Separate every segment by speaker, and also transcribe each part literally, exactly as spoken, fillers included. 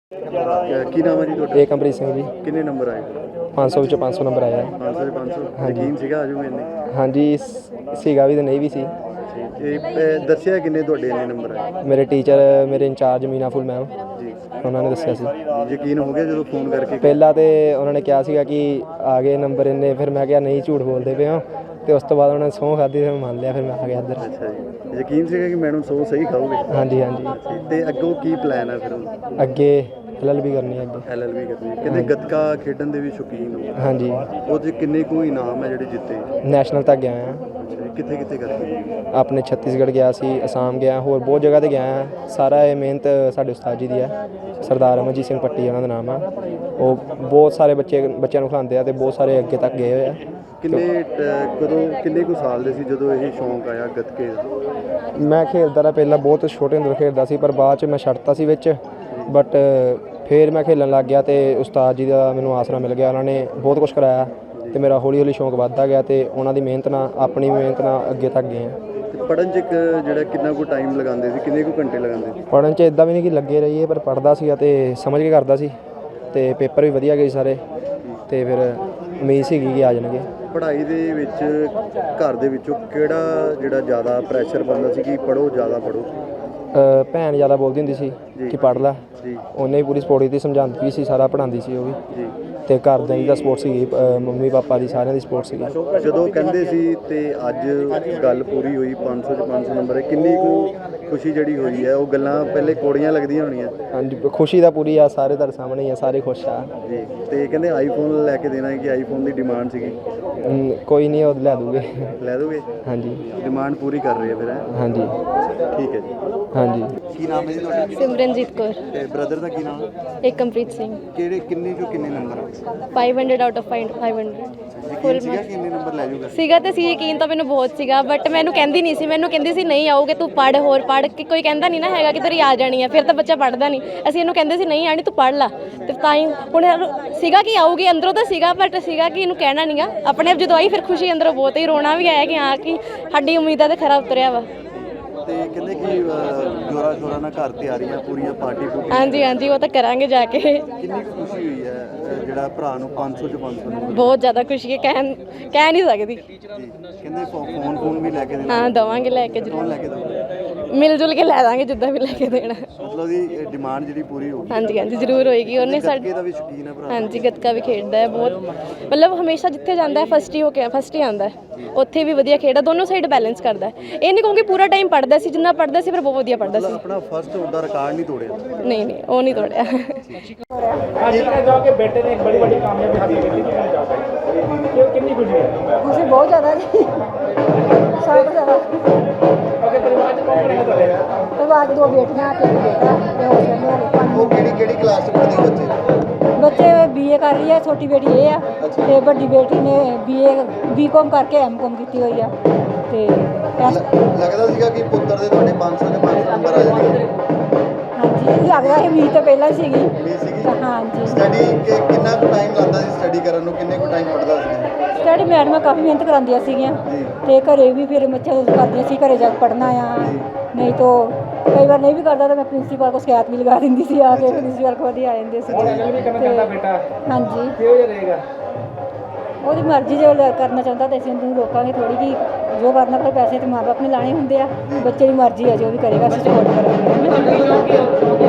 Speaker 1: ਕੀ ਨਾਮ ਹੈ ਜੀ ਤੁਹਾਡਾ?
Speaker 2: ਏਕਮਪ੍ਰੀਤ ਸਿੰਘ ਜੀ।
Speaker 1: ਕਿੰਨੇ ਨੰਬਰ ਆਏ?
Speaker 2: ਪੰਜ ਸੌ ਵਿੱਚੋਂ ਪੰਜ ਸੌ ਨੰਬਰ ਆਇਆ।
Speaker 1: ਪੰਜ ਸੌ ਦੇ ਪੰਜ ਸੌ
Speaker 2: ਹਾਂਜੀ।
Speaker 1: ਯਕੀਨ ਸੀਗਾ ਆਜੂ ਇੰਨੇ?
Speaker 2: ਹਾਂਜੀ ਸ- ਸੀਗਾ ਵੀ ਤੇ ਨਹੀਂ ਵੀ ਸੀ।
Speaker 1: ਇਹ ਇਹ ਦੱਸਿਆ ਕਿੰਨੇ ਤੁਹਾਡੇ ਇੰਨੇ ਨੰਬਰ ਆਏ?
Speaker 2: ਮੇਰੇ ਟੀਚਰ ਮੇਰੇ ਇੰਚਾਰਜ ਮੀਨਾ ਫੁੱਲ ਮੈਮ
Speaker 1: ਜੀ
Speaker 2: ਉਹਨਾਂ ਨੇ ਦੱਸਿਆ ਸੀ।
Speaker 1: ਯਕੀਨ ਹੋ ਗਿਆ ਜਦੋਂ ਫੋਨ ਕਰਕੇ?
Speaker 2: ਪਹਿਲਾਂ ਤੇ ਉਹਨਾਂ ਨੇ ਕਿਹਾ ਸੀਗਾ ਕਿ ਆ ਗਏ ਨੰਬਰ ਇੰਨੇ, ਫਿਰ ਮੈਂ ਕਿਹਾ ਨਹੀਂ ਝੂਠ ਬੋਲਦੇ ਪਏ ਹੋ, ਤੇ ਉਸ ਤੋਂ ਬਾਅਦ ਉਹਨਾਂ ਨੇ ਸਹੁੰ ਖਾਧੀ ਤੇ ਮੈਂ ਮੰਨ ਲਿਆ, ਫਿਰ ਮੈਂ ਆ ਗਿਆ ਇੱਧਰ।
Speaker 1: ਅੱਛਾ ਜੀ, ਯਕੀਨ ਸੀਗਾ ਕਿ ਮੈਡਮ ਸੌ ਸਹੀ ਖਾਓਗੇ?
Speaker 2: ਹਾਂਜੀ ਹਾਂਜੀ।
Speaker 1: ਤੇ ਅੱਗੋਂ ਕੀ ਪਲਾਨ ਹੈ ਫਿਰ? ਹੁਣ
Speaker 2: ਅੱਗੇ ਐਲ ਐਲ ਬੀ ਕਰਨੀ ਹੈ ਅੱਗੇ।
Speaker 1: ਐਲ ਐਲ ਬੀ ਕਰਨੀ ਹੈ। ਕਹਿੰਦੇ ਗੱਤਕਾ ਖੇਡਣ ਦੇ ਵੀ ਸ਼ੌਕੀਨ ਹੋ?
Speaker 2: ਹਾਂਜੀ।
Speaker 1: ਉਹਦੇ ਕਿੰਨੇ ਕੁ ਇਨਾਮ ਹੈ ਜਿਹੜੇ ਜਿੱਤੇ?
Speaker 2: ਨੈਸ਼ਨਲ ਤੱਕ ਗਿਆ ਹਾਂ।
Speaker 1: ਅੱਛਾ ਜੀ, ਕਿੱਥੇ ਕਿੱਥੇ ਕਰਦੇ?
Speaker 2: ਆਪਣੇ ਛੱਤੀਸਗੜ੍ਹ ਗਿਆ ਸੀ, ਅਸਾਮ ਗਿਆ, ਹੋਰ ਬਹੁਤ ਜਗ੍ਹਾ 'ਤੇ ਗਿਆ ਹਾਂ। ਸਾਰਾ ਇਹ ਮਿਹਨਤ ਸਾਡੇ ਉਸਤਾਦ ਜੀ ਦੀ ਹੈ, ਸਰਦਾਰ ਅਮਰਜੀਤ ਸਿੰਘ ਪੱਟੀ ਉਹਨਾਂ ਦਾ ਨਾਮ ਆ। ਉਹ ਬਹੁਤ ਸਾਰੇ ਬੱਚੇ ਬੱਚਿਆਂ ਨੂੰ ਖਿਲਾਉਂਦੇ ਆ ਅਤੇ ਬਹੁਤ ਸਾਰੇ ਅੱਗੇ ਤੱਕ ਗਏ ਹੋਏ ਆ।
Speaker 1: ਕਿੰਨੇ ਟ- ਕਦੋਂ ਕਿੰਨੇ ਕੁ ਸਾਲ ਦੇ ਸੀ ਜਦੋਂ ਇਹ ਸ਼ੌਂਕ ਆਇਆ ਗੱਤਕੇ ਦਾ?
Speaker 2: ਮੈਂ ਖੇਡਦਾ ਰਿਹਾ ਪਹਿਲਾਂ, ਬਹੁਤ ਛੋਟੇ ਹੁੰਦੇ ਖੇਡਦਾ ਸੀ, ਪਰ ਬਾਅਦ 'ਚ ਮੈਂ ਛੱਡਤਾ ਸੀ ਵਿੱਚ। ਬਟ ਫਿਰ ਮੈਂ ਖੇਡਣ ਲੱਗ ਗਿਆ ਅਤੇ ਉਸਤਾਦ ਜੀ ਦਾ ਮੈਨੂੰ ਆਸਰਾ ਮਿਲ ਗਿਆ। ਉਹਨਾਂ ਨੇ ਬਹੁਤ ਕੁਛ ਕਰਾਇਆ ਅਤੇ ਮੇਰਾ ਹੌਲੀ ਹੌਲੀ ਸ਼ੌਂਕ ਵੱਧਦਾ ਗਿਆ, ਅਤੇ ਉਹਨਾਂ ਦੀ ਮਿਹਨਤ ਨਾਲ, ਆਪਣੀ ਮਿਹਨਤ ਨਾਲ ਅੱਗੇ ਤੱਕ ਗਏ ਹਾਂ।
Speaker 1: ਤੇ ਪੜ੍ਹਨ 'ਚ ਇੱਕ ਜਿਹੜਾ ਕਿੰਨਾ ਕੁ ਟਾਈਮ ਲਗਾਉਂਦੇ ਸੀ, ਕਿੰਨੇ ਕੁ ਘੰਟੇ ਲਗਾਉਂਦੇ ਸੀ?
Speaker 2: ਪੜ੍ਹਨ 'ਚ ਇੱਦਾਂ ਵੀ ਨਹੀਂ ਕਿ ਲੱਗੇ ਰਹੀਏ, ਪਰ ਪੜ੍ਹਦਾ ਸੀ ਅਤੇ ਸਮਝ ਕੇ ਕਰਦਾ ਸੀ, ਅਤੇ ਪੇਪਰ ਵੀ ਵਧੀਆ ਗਏ ਸਾਰੇ, ਅਤੇ ਫਿਰ ਉਮੀਦ ਸੀਗੀ ਕਿ ਆ ਜਾਣਗੇ।
Speaker 1: ਪੜ੍ਹਾਈ ਦੇ ਵਿੱਚ ਘਰ ਦੇ ਵਿੱਚੋਂ ਕਿਹੜਾ ਜਿਹੜਾ ਜ਼ਿਆਦਾ ਪ੍ਰੈਸ਼ਰ ਪੈਂਦਾ ਸੀ ਕਿ ਪੜ੍ਹੋ, ਜ਼ਿਆਦਾ ਪੜ੍ਹੋ?
Speaker 2: ਅ, ਭੈਣ ਜ਼ਿਆਦਾ ਬੋਲਦੀ ਹੁੰਦੀ ਸੀ ਕਿ ਪੜ੍ਹ ਲੈ।
Speaker 1: ਜੀ
Speaker 2: ਉਹਨੇ ਵੀ ਪੂਰੀ ਸਪੋਰਟ ਕੀਤੀ, ਸਮਝਾਉਂਦੀ ਵੀ ਸੀ, ਸਾਰਾ ਪੜ੍ਹਾਉਂਦੀ ਸੀ ਉਹ ਵੀ।
Speaker 1: ਜੀ।
Speaker 2: ਅਤੇ ਘਰਦਿਆਂ ਦੀ ਤਾਂ ਸਪੋਰਟ ਸੀਗੀ, ਅ, ਮੰਮੀ ਪਾਪਾ ਦੀ, ਸਾਰਿਆਂ ਦੀ ਸਪੋਰਟ ਸੀਗੀ।
Speaker 1: ਜਦੋਂ ਕਹਿੰਦੇ ਸੀ ਤੇ ਅੱਜ ਗੱਲ ਪੂਰੀ ਹੋਈ, ਪੰਜ ਸੌ 'ਚ ਪੰਜ ਸੌ ਨੰਬਰ ਹੈ, ਕਿੰਨੀ ਕੁ ਖੁਸ਼ੀ ਜਿਹੜੀ ਹੋਈ ਹੈ? ਉਹ ਗੱਲਾਂ ਪਹਿਲੇ ਕੋੜੀਆਂ ਲੱਗਦੀਆਂ ਹੋਣੀਆਂ?
Speaker 2: ਹਾਂਜੀ, ਖੁਸ਼ੀ ਤਾਂ ਪੂਰੀ ਆ, ਸਾਰੇ ਤੁਹਾਡੇ ਸਾਹਮਣੇ ਹੀ ਆ, ਸਾਰੇ ਖੁਸ਼ ਆ।
Speaker 1: ਜੀ। ਤੇ ਕਹਿੰਦੇ ਆਈਫੋਨ ਲੈ ਕੇ ਦੇਣਾ ਹੈ, ਕਿ ਆਈਫੋਨ ਦੀ ਡਿਮਾਂਡ ਸੀਗੀ?
Speaker 2: ਹਮ, ਕੋਈ ਨਹੀਂ, ਉਹ ਲੈ ਦੂਗੇ।
Speaker 1: ਲੈ ਦੋਗੇ?
Speaker 2: ਹਾਂਜੀ
Speaker 1: ਡਿਮਾਂਡ ਪੂਰੀ ਕਰ ਰਹੇ ਆ ਫਿਰ? ਹੈ
Speaker 2: ਹਾਂਜੀ
Speaker 1: ਠੀਕ ਹੈ ਜੀ।
Speaker 2: ਹਾਂਜੀ।
Speaker 1: ਕੀ ਨਾਮ ਹੈ ਜੀ ਤੁਹਾਡਾ?
Speaker 3: ਸਿਮਰਨਜੀਤ ਕੌਰ।
Speaker 1: ਤੇ ਬ੍ਰਦਰ ਦਾ ਕੀ ਨਾਮ ਹੈ?
Speaker 3: ਏਕਮਪ੍ਰੀਤ ਸਿੰਘ।
Speaker 1: ਕਿਹੜੇ ਕਿੰਨੇ ਚੋਂ ਕਿੰਨੇ ਨੰਬਰ?
Speaker 3: ਪੰਜ ਸੌ ਆਊਟ ਆਫ ਪੰਜ ਸੌ।
Speaker 1: ਯਕੀਨ ਸੀਗਾ ਕਿ ਇੰਨੇ ਨੰਬਰ ਲੈ ਜਾਊਗਾ?
Speaker 3: ਸੀਗਾ ਤੇ ਸੀ, ਯਕੀਨ ਤਾਂ ਮੈਨੂੰ ਬਹੁਤ ਸੀਗਾ, ਬਟ ਮੈਨੂੰ ਕਹਿੰਦੀ ਨਹੀਂ ਸੀ, ਮੈਨੂੰ ਕਹਿੰਦੀ ਸੀ ਨਹੀਂ ਆਉਗੇ ਤੂੰ ਪੜ੍ਹ, ਹੋਰ ਪੜ੍ਹ, ਕਿ ਕੋਈ ਕਹਿੰਦਾ ਨਹੀਂ ਨਾ ਹੈਗਾ ਕਿ ਤੇਰੀ ਆ ਜਾਣੀ ਹੈ, ਫਿਰ ਤਾਂ ਬੱਚਾ ਪੜ੍ਹਦਾ ਨਹੀਂ। ਅਸੀਂ ਇਹਨੂੰ ਕਹਿੰਦੇ ਸੀ ਨਹੀਂ ਆਣੀ, ਤੂੰ ਪੜ੍ਹ ਲਾ, ਤੇ ਤਾਂ ਹੀ ਹੁਣ ਸੀਗਾ ਕਿ ਆਊਗੀ, ਅੰਦਰੋਂ ਤਾਂ ਸੀਗਾ, ਬਟ ਸੀਗਾ ਕਿ ਇਹਨੂੰ ਕਹਿਣਾ ਨਹੀਂਗਾ। ਆਪਣੇ ਆਪ ਜਦੋਂ ਆਈ ਫਿਰ ਖੁਸ਼ੀ ਅੰਦਰੋਂ ਬਹੁਤ ਹੀ ਰੋਣਾ ਵੀ ਆਇਆ ਕਿ ਹਾਂ ਕਿ ਸਾਡੀ ਉਮੀਦਾਂ ਤੇ ਖਰਾ ਉਤਰਿਆ ਵਾ।
Speaker 1: ਤੇ ਕਹਿੰਦੇ ਕਿ ਜੋਰਾ ਜੋਰਾ ਨਾਲ ਘਰ ਤਿਆਰੀਆਂ ਪੂਰੀਆਂ, ਪਾਰਟੀ ਪੂਰੀ?
Speaker 3: ਹਾਂਜੀ ਹਾਂਜੀ, ਉਹ ਤਾਂ ਕਰਾਂਗੇ ਜਾ ਕੇ।
Speaker 1: ਕਿੰਨੀ ਕੁ ਖੁਸ਼ੀ ਹੋਈ ਹੈ ਅ, ਜਿਹੜਾ ਭਰਾ ਨੂੰ ਪੰਜ ਸੌ 'ਚ ਪੰਜ ਸੌ ਨੰਬਰ?
Speaker 3: ਬਹੁਤ ਜ਼ਿਆਦਾ ਖੁਸ਼ੀ ਹੈ, ਕਹਿ ਕਹਿ ਨਹੀਂ ਸਕਦੀ।
Speaker 1: ਜੀ। ਕਹਿੰਦੇ ਫੋ- ਫੋਨ ਫੋਨ ਵੀ ਲੈ ਕੇ ਦੇਣਾ?
Speaker 3: ਹਾਂ ਦਵਾਂਗੇ, ਲੈ ਕੇ
Speaker 1: ਫੋਨ
Speaker 3: ਜ਼ਰੂਰ,
Speaker 1: ਲੈ ਕੇ ਦੋ?
Speaker 3: ਮਿਲ ਜੁਲ ਕੇ ਲੈ ਦਾਂਗੇ ਜਿੱਦਾਂ ਵੀ ਲੈ ਕੇ ਦੇਣਾ।
Speaker 1: ਮਤਲਬ ਦੀ ਡਿਮਾਂਡ ਜਿਹੜੀ ਪੂਰੀ ਹੋ ਗਈ?
Speaker 3: ਹਾਂਜੀ ਹਾਂਜੀ, ਜ਼ਰੂਰ ਹੋਏਗੀ। ਉਹਨੇ
Speaker 1: ਗੱਤਕੇ
Speaker 3: ਸਾਡੇ
Speaker 1: ਦਾ ਵੀ ਸ਼ੌਕੀਨ ਹੈ ਭਰਾ?
Speaker 3: ਹਾਂਜੀ, ਗੱਤਕਾ ਵੀ ਖੇਡਦਾ ਹੈ ਬਹੁਤ, ਮਤਲਬ ਹਮੇਸ਼ਾ ਜਿੱਥੇ ਜਾਂਦਾ ਹੈ ਫਸਟ ਹੀ ਹੋ ਕੇ ਫਸਟ ਹੀ ਆਉਂਦਾ ਹੈ। ਉੱਥੇ ਵੀ ਵਧੀਆ ਖੇਡਦਾ, ਦੋਨੋਂ ਸਾਈਡ ਬੈਲੈਂਸ ਕਰਦਾ ਹੈ। ਇਹ ਨਹੀਂ ਕਹੂੰਗੀ ਪੂਰਾ ਟਾਈਮ ਪੜ੍ਹਦਾ ਸੀ, ਜਿੰਨਾ ਪੜ੍ਹਦਾ ਸੀ ਪਰ ਬਹੁਤ ਵਧੀਆ ਪੜ੍ਹਦਾ ਸੀ।
Speaker 1: ਆਪਣਾ ਫਸਟ ਉਹਦਾ ਰਿਕਾਰਡ ਨਹੀਂ ਤੋੜਿਆ?
Speaker 3: ਨਹੀਂ ਨਹੀਂ, ਉਹ ਨਹੀਂ ਤੋੜਿਆ।
Speaker 4: ਕਿ ਬੇਟੇ ਨੇ ਇੱਕ ਬੜੀ ਵੱਡੀ ਕਾਮਯਾਬੀ ਹਾਸਲ ਕੀਤੀ, ਕੀ ਕਹਿਣਾ ਚਾਹੋਗੇ? ਕਿ ਕਿੰਨੀ ਖੁਸ਼ੀ ਹੈ?
Speaker 5: ਖੁਸ਼ੀ ਬਹੁਤ ਜ਼ਿਆਦਾ ਜੀ, ਸਭ ਤੋਂ ਜ਼ਿਆਦਾ।
Speaker 4: ਅਗੇ ਪਰਿਵਾਰ ਚ ਕੌਣ ਹੈ ਤੁਹਾਡੇ?
Speaker 5: ਪਰਿਵਾਰ 'ਚ ਦੋ ਬੇਟੀਆਂ ਤੇ ਇੱਕ ਬੇਟਾ, ਤੇ ਹੋ ਗਏ ਮੇਰੇ ਪੰਜ।
Speaker 1: ਉਹ ਕਿਹੜੀ ਕਿਹੜੀ ਕਲਾਸ 'ਚ ਪੜ੍ਹਦੇ ਬੱਚੇ?
Speaker 5: ਬੱਚੇ ਬੀਏ ਕਰ ਰਹੀ ਹੈ, ਛੋਟੀ ਬੇਟੀ ਇਹ ਆ, ਤੇ ਵੱਡੀ ਬੇਟੀ ਨੇ ਬੀਏ ਬੀਕਾਮ ਕਰਕੇ ਐਮਕਾਮ ਕੀਤੀ ਹੋਈ ਆ। ਤੇ ਇਸ-
Speaker 1: ਲੱਗਦਾ ਸੀਗਾ ਕਿ ਪੁੱਤਰ ਦੇ ਤੁਹਾਡੇ ਪੰਜ ਸੌ 'ਚ ਪੰਜ ਸੌ ਨੰਬਰ ਆ ਜਾਣਗੇ?
Speaker 5: ਹਾਂਜੀ, ਲੱਗਦਾ ਇਹ ਉਮੀਦ ਤਾਂ ਪਹਿਲਾਂ ਸੀਗੀ।
Speaker 1: ਉਮੀਦ ਸੀਗੀ?
Speaker 5: ਤਾਂ ਹਾਂਜੀ,
Speaker 1: ਸਟੱਡੀ ਕਿੰਨਾ ਕੁ ਟਾਈਮ ਲੱਗਦਾ ਸੀ ਸਟੱਡੀ ਕਰਨ ਨੂੰ? ਕਿੰਨੇ ਕੁ ਟਾਈਮ ਪੜ੍ਹਦਾ ਸੀ?
Speaker 5: ਸਟੱਡੀ ਮੈਡਮਾਂ ਕਾਫੀ ਮਿਹਨਤ ਕਰਾਉਂਦੀਆਂ ਸੀਗੀਆਂ,
Speaker 1: ਜੀ।
Speaker 5: ਤੇ ਘਰੇ ਵੀ ਫਿਰ ਬੱਚੇ ਕਰਦੀਆਂ ਸੀ, ਘਰੇ ਜਾ ਕੇ ਪੜ੍ਹਨਾ ਆ। ਨਹੀਂ ਤਾਂ ਕਈ ਵਾਰ ਨਹੀਂ ਵੀ ਕਰਦਾ ਤਾਂ ਮੈਂ ਪ੍ਰਿੰਸੀਪਲ ਕੋਲ ਸ਼ਿਕਾਇਤ ਵੀ ਲਗਾ ਦਿੰਦੀ ਸੀ, ਆ ਕੇ ਪ੍ਰਿੰਸੀਪਲ ਕੋਲ ਹੀ ਆ ਜਾਂਦੇ ਸੀ।
Speaker 4: ਨਹੀਂ ਕਰਨਾ ਚਾਹੁੰਦਾ ਬੇਟਾ?
Speaker 5: ਹਾਂਜੀ,
Speaker 4: ਕਿਹੋ ਜਿਹਾ ਰਹੇਗਾ?
Speaker 5: ਉਹਦੀ ਮਰਜ਼ੀ, ਜੋ ਲ- ਕਰਨਾ ਚਾਹੁੰਦਾ ਤਾਂ ਅਸੀਂ ਉਹਨੂੰ ਰੋਕਾਂਗੇ ਥੋੜੀ, ਕਿ ਜੋ ਕਰਨਾ, ਪਰ ਪੈਸੇ ਤੇ ਮਾਂ ਬਾਪ ਨੇ ਲਾਣੇ ਹੁੰਦੇ ਆ। ਬੱਚੇ ਦੀ ਮਰਜ਼ੀ ਹੈ, ਜੋ ਵੀ ਕਰੇਗਾ ਅਸੀਂ ਸਪੋਰਟ ਕਰਾਂਗੇ।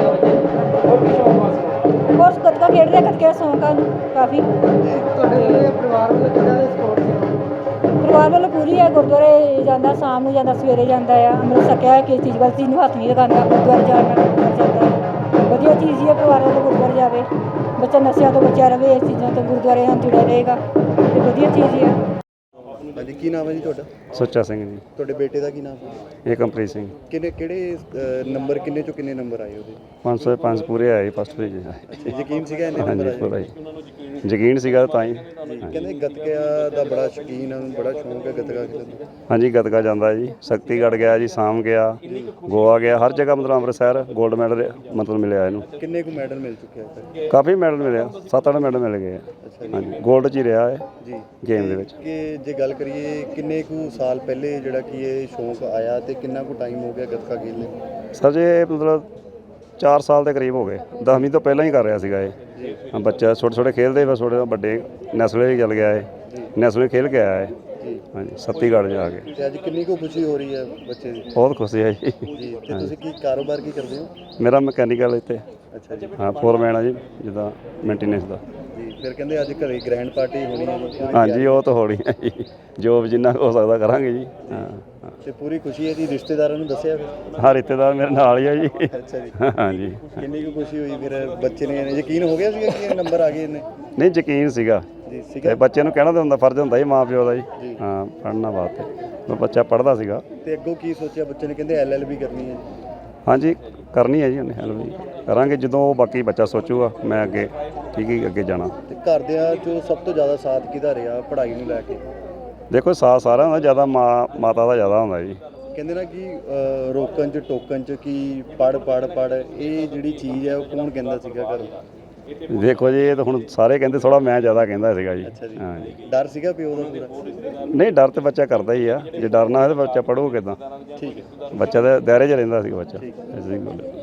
Speaker 5: ਕੋਰਸ ਗੱਤਕਾ ਖੇਡ ਰਿਹਾ, ਗੱਤਕੇ ਦਾ ਸ਼ੌਂਕ ਆ ਉਹਨੂੰ ਕਾਫੀ।
Speaker 4: ਤੁਹਾਡੇ ਪਰਿਵਾਰ ਵੱਲੋਂ ਕਿਹੜਾ ਸਪੋਰਟ ਸੀ?
Speaker 5: ਪਰਿਵਾਰ ਵੱਲੋਂ ਪੂਰੀ ਹੈ। ਗੁਰਦੁਆਰੇ ਜਾਂਦਾ, ਸ਼ਾਮ ਨੂੰ ਜਾਂਦਾ, ਸਵੇਰੇ ਜਾਂਦਾ ਆ। ਅੰਮ੍ਰਿਤ ਛਕਿਆ ਹੈ, ਕਿਸੇ ਚੀਜ਼ ਵੱਲ ਚੀਜ਼ ਨੂੰ ਹੱਥ ਨਹੀਂ ਲਗਾਉਂਦਾ, ਗੁਰਦੁਆਰੇ ਜਾਣ ਨਾਲ ਗੁਰਦੁਆਰੇ ਜਾਂਦਾ ਹੈ। ਵਧੀਆ ਚੀਜ਼ ਹੀ ਹੈ, ਪਰਿਵਾਰ ਵੱਲੋਂ ਗੁਰਦੁਆਰੇ ਜਾਵੇ, ਬੱਚਾ ਨਸ਼ਿਆਂ ਤੋਂ ਬਚਿਆ ਰਹੇ, ਇਸ ਚੀਜ਼ਾਂ ਤੋਂ ਗੁਰਦੁਆਰੇ ਨਾਲ ਜੁੜਿਆ ਰਹੇਗਾ, ਤੇ ਵਧੀਆ ਚੀਜ਼ ਹੀ ਹੈ।
Speaker 1: ਹਾਂਜੀ, ਕੀ ਨਾਮ ਹੈ ਜੀ ਤੁਹਾਡਾ?
Speaker 6: ਸੁੱਚਾ ਸਿੰਘ ਜੀ।
Speaker 1: ਤੁਹਾਡੇ ਬੇਟੇ ਦਾ ਕੀ ਨਾਮ ਹੈ?
Speaker 6: ਏਕਮਪ੍ਰੀਤ ਸਿੰਘ।
Speaker 1: ਕਿਹੜੇ ਕਿਹੜੇ ਅ, ਨੰਬਰ ਕਿੰਨੇ ਚੋਂ ਕਿੰਨੇ ਨੰਬਰ ਆਏ ਉਹਦੇ?
Speaker 6: ਪੰਜ ਸੌ ਪੰਜ ਪੂਰੇ ਆਏ ਫਸਟ ਪੇਜ।
Speaker 1: ਅੱਛਾ, ਯਕੀਨ ਸੀਗਾ ਇੰਨੇ ਨੰਬਰ
Speaker 6: ਹਾਂਜੀ ਪੂਰਾ
Speaker 1: ਆਏ?
Speaker 6: ਜੀ, ਯਕੀਨ ਸੀਗਾ ਤਾਂ ਹੀ।
Speaker 1: ਕਹਿੰਦੇ ਗੱਤਕਿਆ ਦਾ ਬੜਾ ਸ਼ੌਕੀਨ ਆ, ਬੜਾ ਸ਼ੌਂਕ ਹੈ ਗੱਤਕਾ ਖੇਡਣ ਦਾ।
Speaker 6: ਹਾਂਜੀ, ਗਤਕਾ ਜਾਂਦਾ ਜੀ, ਸ਼ਕਤੀਗੜ੍ਹ ਗਿਆ ਜੀ, ਸਾਮ ਗਿਆ, ਗੋਆ ਗਿਆ, ਹਰ ਜਗ੍ਹਾ ਮਤਲਬ ਅੰਮ੍ਰਿਤਸਰ ਗੋਲਡ ਮੈਡਲ ਮਤਲਬ ਮਿਲਿਆ ਇਹਨੂੰ।
Speaker 1: ਕਿੰਨੇ ਕੁ ਮੈਡਲ ਮਿਲ ਚੁੱਕੇ ਆ?
Speaker 6: ਕਾਫੀ ਮੈਡਲ ਮਿਲਿਆ, ਸੱਤ ਅੱਠ ਮੈਡਲ ਮਿਲ ਗਏ ਆ। ਹਾਂਜੀ, ਗੋਲਡ 'ਚ ਹੀ ਰਿਹਾ ਹੈ
Speaker 1: ਜੀ
Speaker 6: ਗੇਮ ਦੇ ਵਿੱਚ।
Speaker 1: ਕਿ ਜੇ ਗੱਲ ਕਰੀਏ ਕਿੰਨੇ ਕੁ ਸਾਲ ਪਹਿਲੇ ਜਿਹੜਾ ਕਿ ਇਹ ਸ਼ੌਂਕ ਆਇਆ, ਤੇ ਕਿੰਨਾ ਕੁ ਟਾਈਮ ਹੋ ਗਿਆ ਗੱਤਕਾ ਖੇਡਦੇ?
Speaker 6: ਸਰ ਜੀ ਇਹ ਮਤਲਬ ਚਾਰ ਸਾਲ ਦੇ ਕਰੀਬ ਹੋ ਗਏ, ਦਸਵੀਂ ਤੋਂ ਪਹਿਲਾਂ ਹੀ ਕਰ ਰਿਹਾ ਸੀਗਾ ਇਹ। ਹਾਂ, ਬੱਚਾ ਛੋਟੇ ਛੋਟੇ ਖੇਡਦੇ ਬਸ ਛੋਟੇ ਵੱਡੇ ਨੈਸ਼ਨਲ ਵੀ ਚੱਲ ਗਿਆ ਇਹ, ਨੈਸ਼ਨਲ ਖੇਲ ਕੇ ਆਇਆ ਇਹ। ਹਾਂਜੀ, ਸੱਤੀਗੜ੍ਹ ਜਾ ਕੇ।
Speaker 1: ਤੇ ਅੱਜ ਕਿੰਨੀ ਕੁ ਖੁਸ਼ੀ ਹੋ ਰਹੀ ਹੈ ਬੱਚੇ ਦੀ?
Speaker 6: ਬਹੁਤ ਖੁਸ਼ੀ ਹੈ ਜੀ।
Speaker 1: ਜੀ, ਤੇ ਤੁਸੀਂ ਕੀ ਕਾਰੋਬਾਰ ਕੀ ਕਰਦੇ ਹੋ?
Speaker 6: ਮੇਰਾ ਮਕੈਨੀਕਲ ਇੱਥੇ,
Speaker 1: ਅੱਛਾ ਜੀ।
Speaker 6: ਹਾਂ ਫੋਰਮੈਨ ਆ ਜੀ, ਜਿੱਦਾਂ ਮੇਨਟੇਨੈਂਸ ਦਾ।
Speaker 1: ਜੀ, ਫਿਰ ਕਹਿੰਦੇ ਅੱਜ ਘਰੇ ਗ੍ਰੈਂਡ ਪਾਰਟੀ ਹੋਣੀ ਹੈ ਜੀ।
Speaker 6: ਹਾਂਜੀ, ਉਹ ਤਾਂ ਹੋਣੀ ਹੈ ਜੀ, ਜੋ ਵੀ ਜਿੰਨਾ ਕੁ ਹੋ ਸਕਦਾ ਕਰਾਂਗੇ ਜੀ। ਹਾਂ ਹਾਂ।
Speaker 1: ਤੇ ਪੂਰੀ ਖੁਸ਼ੀ ਹੈ ਜੀ, ਰਿਸ਼ਤੇਦਾਰਾਂ ਨੂੰ ਦੱਸਿਆ ਫਿਰ?
Speaker 6: ਹਾਂ, ਰਿਸ਼ਤੇਦਾਰ ਮੇਰੇ ਨਾਲ ਹੀ ਆ ਜੀ।
Speaker 1: ਅੱਛਾ ਜੀ।
Speaker 6: ਹਾਂਜੀ।
Speaker 1: ਕਿੰਨੀ ਕੁ ਖੁਸ਼ੀ ਹੋਈ ਫਿਰ? ਬੱਚੇ ਨੇ ਯਕੀਨ ਹੋ ਗਿਆ ਸੀਗਾ ਕਿ ਇਹ ਨੰਬਰ ਆ ਗਏ ਇਹਨੇ?
Speaker 6: ਨਹੀਂ, ਯਕੀਨ ਸੀਗਾ
Speaker 1: ਜੀ
Speaker 6: ਤੇ
Speaker 1: ਸੀਗਾ।
Speaker 6: ਬੱਚੇ ਨੂੰ ਕਹਿਣਾ ਤਾਂ ਹੁੰਦਾ, ਫਰਜ਼ ਹੁੰਦਾ ਜੀ ਮਾਂ ਪਿਓ ਦਾ ਜੀ। ਹਾਂ, ਪੜ੍ਹਨਾ ਵਾਸਤੇ ਉਹ ਬੱਚਾ ਪੜ੍ਹਦਾ ਸੀਗਾ।
Speaker 1: ਤੇ ਅੱਗੋਂ ਕੀ ਸੋਚਿਆ ਬੱਚੇ ਨੇ? ਕਹਿੰਦੇ ਐਲ ਐਲ ਬੀ ਕਰਨੀ ਹੈ ਜੀ।
Speaker 6: ਹਾਂਜੀ, ਕਰਨੀ ਹੈ ਜੀ ਉਹਨੇ ਹੈਲਪ ਜੀ, ਕਰਾਂਗੇ ਜਦੋਂ ਉਹ ਬਾਕੀ ਬੱਚਾ ਸੋਚੂਗਾ। ਮੈਂ ਅੱਗੇ ਠੀਕ ਹੀ ਅੱਗੇ ਜਾਣਾ।
Speaker 1: ਤੇ ਘਰਦਿਆਂ 'ਚੋਂ ਸਭ ਤੋਂ ਜ਼ਿਆਦਾ ਸਾਥ ਕਿਹਦਾ ਰਿਹਾ ਪੜ੍ਹਾਈ ਨੂੰ ਲੈ ਕੇ?
Speaker 6: ਦੇਖੋ, ਸਾਥ ਸਾਰਿਆਂ ਦਾ ਜ਼ਿਆਦਾ ਮਾਂ ਮਾਤਾ ਦਾ ਜ਼ਿਆਦਾ ਹੁੰਦਾ ਜੀ।
Speaker 1: ਕਹਿੰਦੇ ਨਾ ਕਿ ਅਹ, ਰੋਕਣ 'ਚ ਟੋਕਣ 'ਚ ਕਿ ਪੜ੍ਹ ਪੜ੍ਹ ਪੜ੍ਹ, ਇਹ ਜਿਹੜੀ ਚੀਜ਼ ਹੈ ਉਹ ਕੌਣ ਕਹਿੰਦਾ ਸੀਗਾ ਘਰੋਂ?
Speaker 6: ਦੇਖੋ ਜੀ, ਇਹ ਤਾਂ ਹੁਣ ਸਾਰੇ ਕਹਿੰਦੇ, ਥੋੜਾ ਮੈਂ ਜ਼ਿਆਦਾ ਕਹਿੰਦਾ ਸੀਗਾ ਜੀ।
Speaker 1: ਅੱਛਾ ਜੀ।
Speaker 6: ਹਾਂ ਜੀ।
Speaker 1: ਡਰ ਸੀਗਾ ਪਿਓ ਦਾ ਪੂਰਾ?
Speaker 6: ਨਹੀਂ, ਡਰ ਤੇ ਬੱਚਾ ਕਰਦਾ ਹੀ ਆ, ਜੇ ਡਰ ਨਾ ਹੋਵੇ ਤਾਂ ਬੱਚਾ ਪੜ੍ਹੂ ਕਿੱਦਾਂ?
Speaker 1: ਠੀਕ ਹੈ।
Speaker 6: ਬੱਚਾ ਤਾਂ ਦਾਇਰੇ 'ਚ ਰਹਿੰਦਾ ਸੀ ਬੱਚਾ। ਐਸੀ ਗੱਲ ਹੈ।